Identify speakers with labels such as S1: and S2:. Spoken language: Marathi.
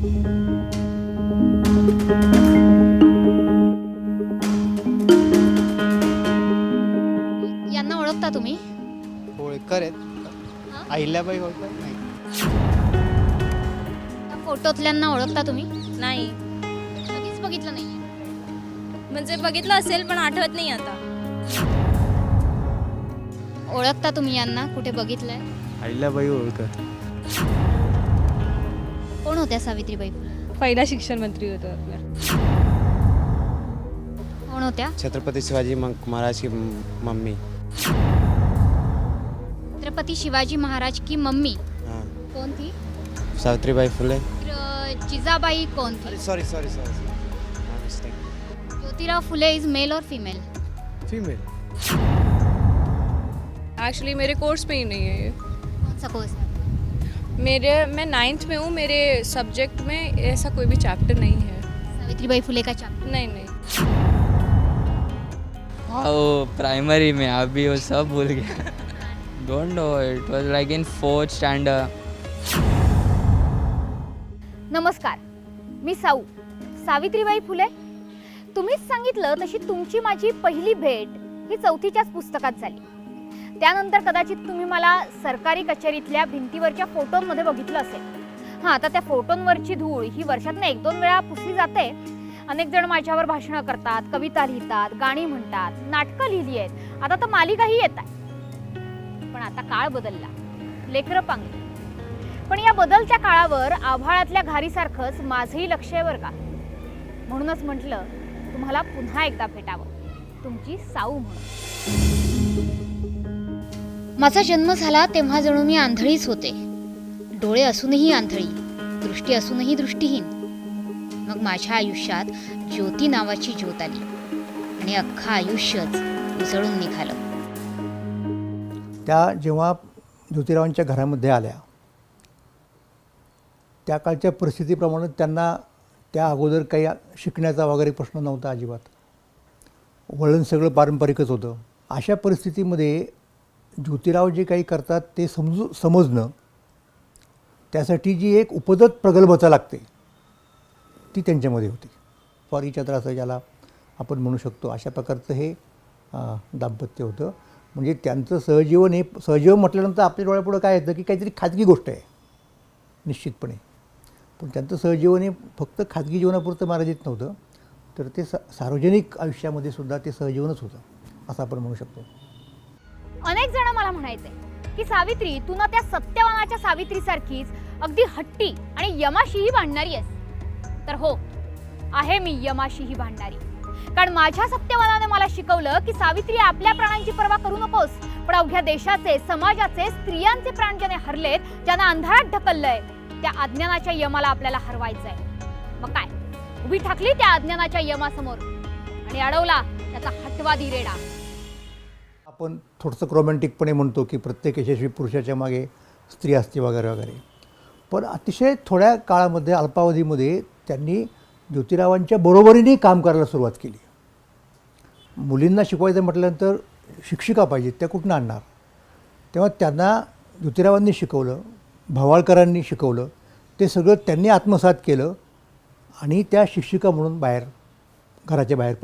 S1: यांना ओळखता तुम्ही?
S2: होळकर आहेत.
S1: हां?
S2: अहिल्याबाई होळकर नाही.
S1: त्या फोटोतल्यांना ओळखता तुम्ही?
S3: नाही,
S1: कधीच बघितलं नाही.
S3: म्हणजे बघितलं असेल पण आठवत नाही आता.
S1: ओळखता तुम्ही यांना? कुठे बघितलंय?
S2: अहिल्याबाई होळकर.
S1: कोण होत्या सावित्रीबाई फुले?
S3: पहिला शिक्षण मंत्री होतो आपल्या.
S1: कोण होत्या?
S2: छत्रपती शिवाजी महाराज की मम्मी.
S1: छत्रपती शिवाजी महाराज की मम्मी
S2: हां.
S1: कोण थी?
S2: सावित्रीबाई फुले.
S1: जिजाबाई कौन थी?
S2: Sorry sorry sorry mistake.
S1: Jyotirao Phule is male और फीमेल?
S2: फीमेल.
S3: एक्चुअली मेरे कोर्स में ही नहीं है ये.
S1: कौन सा कोर्स है?
S3: मैं 9th में हूँ. मेरे सब्जेक्ट में ऐसा कोई भी चैप्टर नहीं है.
S1: सावित्रीबाई फुले का चैप्टर?
S3: नहीं.
S4: हाँ वो प्राइमरी में, अभी वो सब भूल गया. Don't know, it was like in 4th standard.
S1: नमस्कार, मी साऊ. सावित्रीबाई फुले. तुम्हीच सांगितलं तशी तुमची माझी पहिली भेट ही 4थीच्याच पुस्तकात झाली. त्यानंतर कदाचित तुम्ही मला सरकारी कचेरीतल्या भिंतीवरच्या फोटोंमध्ये बघितलं असेल. हां, आता त्या फोटोंवरची धूळ ही वर्षातनं 1-2 वेळा पुसली जाते. अनेक जण माझ्यावर भाषणं करतात, कविता लिहितात, गाणी म्हणतात, नाटकं लिहिली आहेत, आता तर मालिकाही येत आहे. पण आता काळ बदलला, लेकरं पांगली. पण या बदलत्या काळावर आभाळातल्या घारीसारखंच माझंही लक्ष आहे बरं का. म्हणूनच म्हटलं तुम्हाला पुन्हा एकदा भेटावं, तुमची साऊ म्हणून. माझा जन्म झाला तेव्हा जणू मी आंधळीच होते. डोळे असूनही आंधळी, दृष्टी असूनही दृष्टीहीन. मग माझ्या आयुष्यात ज्योती नावाची ज्योत आली आणि अख्खं आयुष्यच उजळून निघालं.
S5: त्या जेव्हा ज्योतिरावांच्या घरामध्ये आल्या त्या काळच्या परिस्थितीप्रमाणे त्यांना त्या अगोदर काही शिकण्याचा वगैरे प्रश्न नव्हता अजिबात. वळण सगळं पारंपरिकच होतं. अशा परिस्थितीमध्ये ज्योतिराव जे काही करतात ते समजणं, त्यासाठी जी एक उपदत प्रगल्भता लागते ती त्यांच्यामध्ये होती. फॉर इच अदर असं ज्याला आपण म्हणू शकतो, अशा प्रकारचं हे दाम्पत्य होतं. म्हणजे त्यांचं सहजीवन हे सहजीवन म्हटल्यानंतर आपल्या डोळ्यापुढं काय येतं की काहीतरी खाजगी गोष्ट आहे निश्चितपणे. पण त्यांचं सहजीवन हे फक्त खाजगी जीवनापुरतं मर्यादित नव्हतं, तर ते सार्वजनिक आयुष्यामध्ये सुद्धा ते सहजीवनच होतं असं आपण म्हणू शकतो.
S1: अनेक जण मला म्हणायचे की सावित्री, तू ना त्या सत्यवानाच्या सावित्रीसारखीच अगदी हट्टी आणि यमाशीही भांडणारी आहेस. तर हो, आहे मी यमाशीही भांडणारी. कारण माझ्या सत्यवानाने मला शिकवलं की सावित्री, आपल्या प्राणांची पर्वा करू नकोस, पण अवघ्या देशाचे, समाजाचे, स्त्रियांचे प्राण ज्याने हरलेत, ज्यांना अंधारात ढकललंय, त्या अज्ञानाच्या यमाला आपल्याला हरवायचंय. मग काय, उभी ठाकली त्या अज्ञानाच्या यमासमोर आणि अडवला त्याचा हटवादी रेडा.
S5: आपण थोडंसं रोमॅन्टिकपणे म्हणतो की प्रत्येक यशस्वी पुरुषाच्या मागे स्त्री असते वगैरे वगैरे. पण अतिशय थोड्या काळामध्ये, अल्पावधीमध्ये त्यांनी ज्योतिरावांच्या बरोबरीने काम करायला सुरुवात केली. मुलींना शिकवायचं म्हटल्यानंतर शिक्षिका पाहिजेत, त्या कुठून आणणार? तेव्हा त्यांना ज्योतिरावांनी शिकवलं, भवाळकरांनी शिकवलं, ते सगळं त्यांनी आत्मसात केलं आणि त्या शिक्षिका म्हणून घराच्या बाहेर